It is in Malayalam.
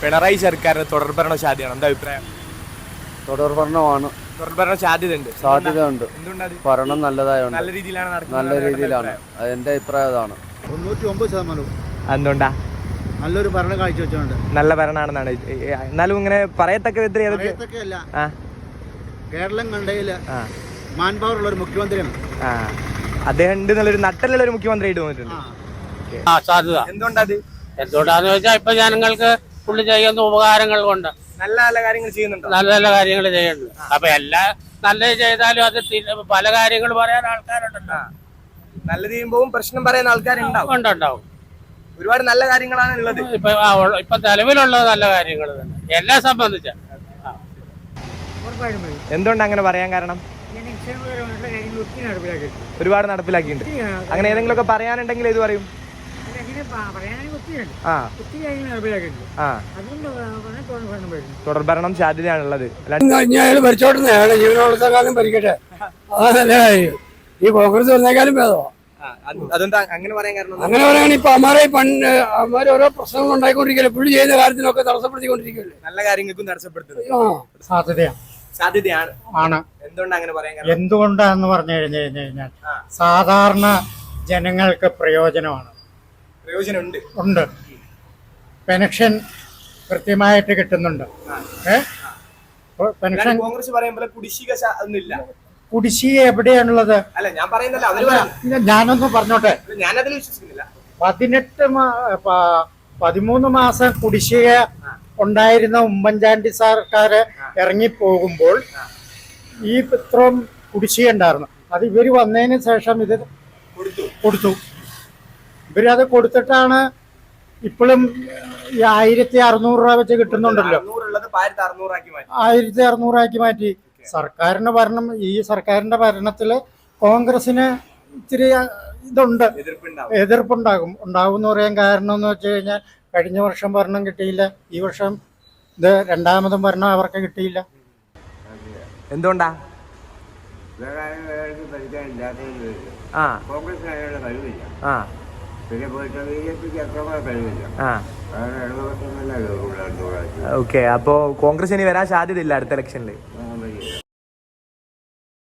പിണറായി സർക്കാരിന് തുടർഭരണ സാധ്യതയാണ്. എന്താ അഭിപ്രായം? തുടർഭരണമാണ്. തുടർഭരണ സാധ്യതയുണ്ട്. എന്തുകൊണ്ടത്? ഭരണം നല്ലതായോണ്ട്. നല്ല രീതിയിലാണ് നല്ല രീതിയിലാണ്. എന്റെ അഭിപ്രായം അതാണ്. 99%. എന്തുകൊണ്ടാ? നല്ലൊരു ഭരണം കാഴ്ചവെച്ചുകൊണ്ട്. നല്ല ഭരണമാണെന്നാണ്. എന്നാലും ഇങ്ങനെ പറയത്തക്ക വിധത്തിൽ കേരളം കണ്ടതില് മാൻ പവർ ഉള്ള ഒരു മുഖ്യമന്ത്രിയാണ്. അദ്ദേഹം ഉണ്ട് നല്ലൊരു നട്ടലുള്ള ഒരു മുഖ്യമന്ത്രി ആയിട്ട് തോന്നിട്ടുണ്ട്. സാധ്യത എന്തുകൊണ്ടാന്ന് ചോദിച്ചാൽ ഇപ്പൊ ജനങ്ങൾക്ക് പുള്ളി ചെയ്യുന്ന ഉപകാരങ്ങൾ കൊണ്ട് നല്ല നല്ല കാര്യങ്ങൾ ചെയ്യുന്നുണ്ട്. നല്ല നല്ല കാര്യങ്ങൾ ചെയ്യുന്നുണ്ട്. അപ്പൊ എല്ലാ നല്ലത് ചെയ്താലും അത് പല കാര്യങ്ങൾ പറയാൻ ആൾക്കാരുണ്ടല്ലോ. നല്ലത് ചെയ്യുമ്പോൾ പ്രശ്നം പറയുന്ന ആൾക്കാരുണ്ടാവും. ഉണ്ടാവും. ഒരുപാട് നല്ല കാര്യങ്ങളാണ് ഉള്ളത്. ഇപ്പൊ നിലവിലുള്ളത് നല്ല കാര്യങ്ങൾ തന്നെ എല്ലാം സംബന്ധിച്ച. എന്തുകൊണ്ട് അങ്ങനെ പറയാൻ കാരണം? ഒരുപാട് നടപ്പിലാക്കിയിട്ടുണ്ട്. അങ്ങനെ ഏതെങ്കിലും ഒക്കെ പറയാനുണ്ടെങ്കിൽ ഏത് പറയും? തുടർഭരണം സാധ്യതയാണുള്ളത്. ജീവനോളത്തെക്കാളും ഭരിക്കട്ടെ, അതാ നല്ല കാര്യം. ഈ കോൺഗ്രസ് വന്നേക്കാളും ഭേദമാ. അതെന്താ അങ്ങനെ പറയാൻ കാരണം? അങ്ങനെ പറയുകയാണെങ്കിൽ ഇപ്പൊ അമ്മാരെ ഓരോ പ്രശ്നങ്ങൾ ഉണ്ടായിക്കൊണ്ടിരിക്കല്ലേ, പുള്ളി ചെയ്യുന്ന കാര്യത്തിനൊക്കെ തടസ്സപ്പെടുത്തിക്കൊണ്ടിരിക്കല്ലേ. നല്ല കാര്യങ്ങൾക്കും തടസ്സപ്പെടുത്തുന്നത് സാധ്യതയാണ്. എന്തുകൊണ്ടാണ് അങ്ങനെ പറയാൻ കാരണം? എന്തുകൊണ്ടാന്ന് പറഞ്ഞു കഴിഞ്ഞാൽ സാധാരണ ജനങ്ങൾക്ക് പ്രയോജനമാണ്. ഉണ്ട്. പെൻഷൻ കൃത്യമായിട്ട് കിട്ടുന്നുണ്ട്. പെൻഷൻ കോൺഗ്രസ് പറയുമ്പോൾ കുടിശ്ശിക ഒന്നുമില്ല. കുടിശ്ശിക എവിടെയാണുള്ളത്? അല്ല, ഞാൻ പറയുന്നില്ല. ഞാനൊന്ന് പറഞ്ഞോട്ടെ. ഞാനതിൽ വിശ്വസിക്കുന്നില്ല. 13 മാസം കുടിശ്ശിക ഉണ്ടായിരുന്ന ഉമ്മൻചാണ്ടി സർക്കാർ ഇറങ്ങിപ്പോകുമ്പോൾ ഈ ഇത്രയും കുടിശ്ശിക ഉണ്ടായിരുന്നു. അത് ഇവര് വന്നതിന് ശേഷം ഇത് കൊടുത്തു. ഇവരത് കൊടുത്തിട്ടാണ് ഇപ്പോഴും 1600 രൂപ വെച്ച് കിട്ടുന്നുണ്ടല്ലോ. 1600 ആക്കി മാറ്റി. സർക്കാരിന്റെ ഭരണം, ഈ സർക്കാരിന്റെ ഭരണത്തില് കോൺഗ്രസിന് ഇത്തിരി ഇതുണ്ട്, ഉണ്ടാകും എന്ന് പറയാൻ കാരണം എന്ന് വെച്ച് കഴിഞ്ഞാൽ കഴിഞ്ഞ വർഷം ഭരണം കിട്ടിയില്ല, ഈ വർഷം ഇത് രണ്ടാമതും ഭരണം അവർക്ക് കിട്ടിയില്ല. എന്തുകൊണ്ടാ? ഓക്കെ, അപ്പോ കോൺഗ്രസ് ഇനി വരാൻ സാധ്യതയില്ല അടുത്ത ഇലക്ഷനിൽ.